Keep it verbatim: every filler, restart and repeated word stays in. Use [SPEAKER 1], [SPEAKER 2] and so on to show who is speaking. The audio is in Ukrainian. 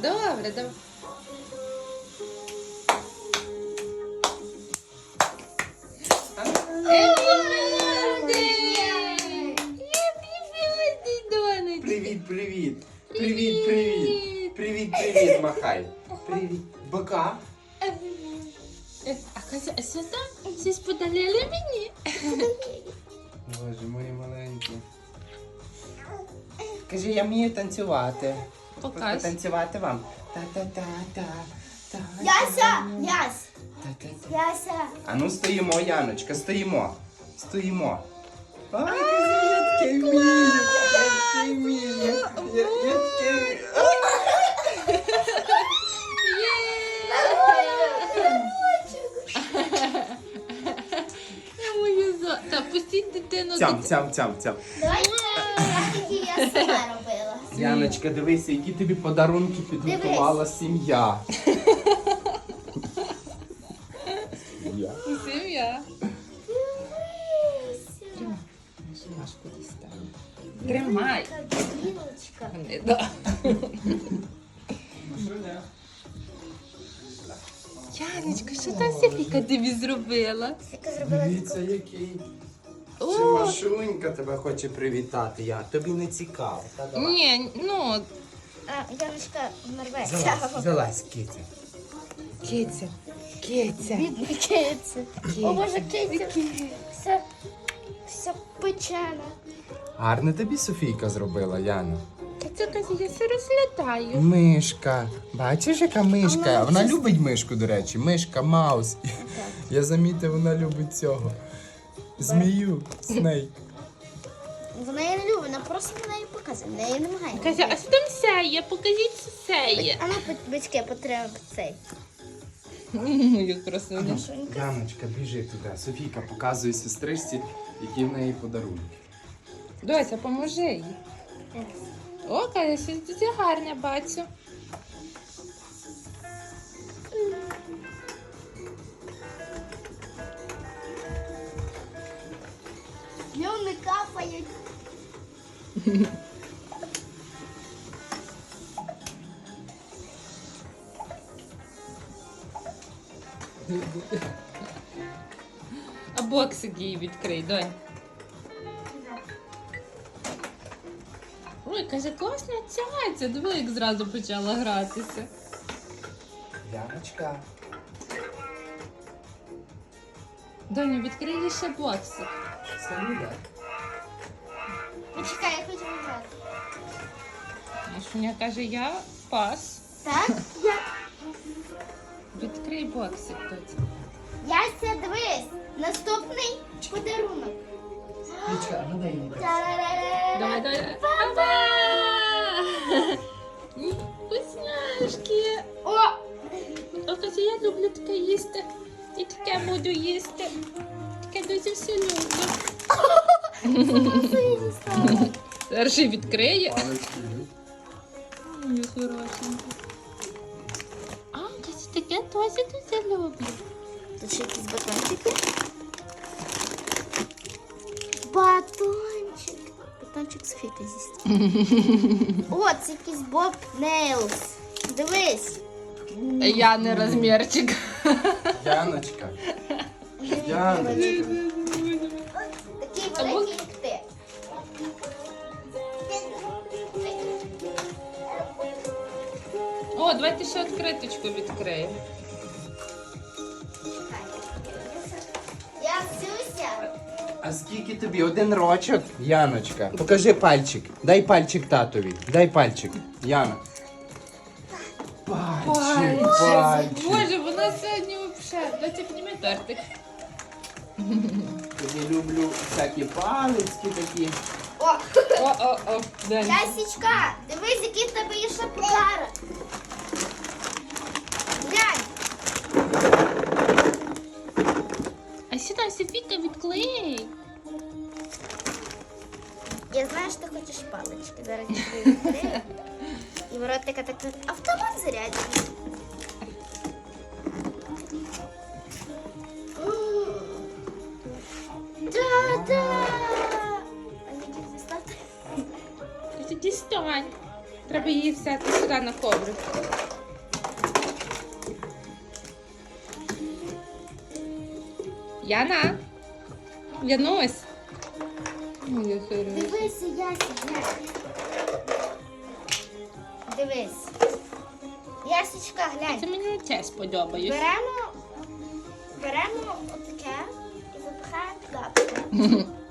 [SPEAKER 1] Добре, давай.
[SPEAKER 2] Привіт, привіт. Привіт, привіт. Привіт, привіт, махай. Привіт. Бока.
[SPEAKER 1] А Катя, а що там? Щось подарили мені?
[SPEAKER 2] Боже, мої маленькі. Кажи, я вмію танцювати.
[SPEAKER 1] Покаж.
[SPEAKER 2] Танцювати вам. Та-та-та-та. та
[SPEAKER 3] Яся! Ясь!
[SPEAKER 2] Та-та-та.
[SPEAKER 3] Яся!
[SPEAKER 2] А ну стоїмо, Яночка, стоїмо. Стоїмо. Ай, кажи, я таке вмію. Я таке вмію. Я, я таке вмію.
[SPEAKER 1] Я мою зо... Та пустіть дитину.
[SPEAKER 2] Цям, цям, цям, цям.
[SPEAKER 3] Давай які я сама робила.
[SPEAKER 2] Яночка, дивися, які тобі подарунки підготувала сім'я. Сім'я.
[SPEAKER 1] Сім'я. Тримай. Машку дістань. Тримай.
[SPEAKER 3] Білочка.
[SPEAKER 1] Не да. Яночка, що та Софійка тобі зробила?
[SPEAKER 3] Яка зробила
[SPEAKER 2] Дивіться, який. Чи
[SPEAKER 1] О,
[SPEAKER 2] Машунька тебе хоче привітати, я. Тобі не цікаво. Та давай.
[SPEAKER 1] ні, ну,
[SPEAKER 3] А, Яночка нарветься.
[SPEAKER 2] Залазь, залазь, киця.
[SPEAKER 1] киця, киця.
[SPEAKER 3] Бідний киця. О, Боже, киця. Вся, вся печена.
[SPEAKER 2] Гарно тобі Софійка зробила, Яна.
[SPEAKER 1] Киця каже, я все розглядаю.
[SPEAKER 2] Мишка. Бачиш, яка мишка?
[SPEAKER 3] вона
[SPEAKER 2] Вона
[SPEAKER 3] чис-
[SPEAKER 2] любить мишку, до речі. Мишка, маус. Я замітив, вона любить цього. Змію, снейк.
[SPEAKER 3] Вона її не любить, вона просто на неї показує, вона її не намагає.
[SPEAKER 1] Каже, а що там сяє? Покажіть, що сяє.
[SPEAKER 3] А ну, батьки, потримай цей.
[SPEAKER 1] Як красиво.
[SPEAKER 2] Яночка, біжи туди. Софійка показує сестричці, які в неї подарунки.
[SPEAKER 1] Дося, поможи їй. О, каже, щось дуже гарне бачу.
[SPEAKER 3] Слюни капають.
[SPEAKER 1] А боксик їй відкрий, донь. Ой, каже, класна цяця. Диви, як зразу почала гратися.
[SPEAKER 2] Яночка.
[SPEAKER 1] Доню, відкрий їй ще боксик.
[SPEAKER 2] Салюда.
[SPEAKER 3] Почекай, я хочу нажати.
[SPEAKER 1] Машуня каже, я пас.
[SPEAKER 3] Так? Я...
[SPEAKER 1] Відкрий боксик, доця.
[SPEAKER 3] Яся, дивись, наступний подарунок.
[SPEAKER 2] Яночка, а ну дай мені.
[SPEAKER 1] Давай, давай. Опа! Вкусняшки.
[SPEAKER 3] О!
[SPEAKER 1] О, каже, я люблю таке їсти. І таке буду їсти. Таке дуже все люблю.
[SPEAKER 3] Сині стало.
[SPEAKER 1] Перший відкриє.
[SPEAKER 2] Палички.
[SPEAKER 1] Ой, хорошенько. А, каже, таке теж дуже люблю.
[SPEAKER 3] Тут ще якісь батончики. Батончик. Батончик Софійка з'їсть. О, це якийсь Боб Нейлс. Дивись.
[SPEAKER 1] Я не розмірчик.
[SPEAKER 2] Яночка. Яночка.
[SPEAKER 3] Такий великий, як ти.
[SPEAKER 1] О, давайте ще відкриточку відкриємо.
[SPEAKER 3] Я Сюся.
[SPEAKER 2] А скільки тобі? Один рочок? Яночка. Покажи пальчик. Дай пальчик татові. Дай пальчик. Яна. Пальчик, пальчик.
[SPEAKER 1] Боже, вона сьогодні взагалі. Дайте підніми тортик.
[SPEAKER 2] Тобі люблю всякі палички такі.
[SPEAKER 3] О,
[SPEAKER 1] О, о, о, Дань.
[SPEAKER 3] Ясічка, дивись, який в тебе є ще подарок. Глянь.
[SPEAKER 1] А сюди, Софійка, відклей.
[SPEAKER 3] Я знаю, що ти хочеш палички. Зараз я тобі відкрию. І ворот така так автомат заряджений. Да-да! А я не дістати.
[SPEAKER 1] Дістань. Треба її взяти сюди на коврик. Яна? Янусь? Моя хороша.
[SPEAKER 3] Дивися, Яся, глянь. Дивись. Ясечка, глянь.
[SPEAKER 1] Це мені те сподобається.
[SPEAKER 3] Беремо, беремо отаке і запихаємо туди.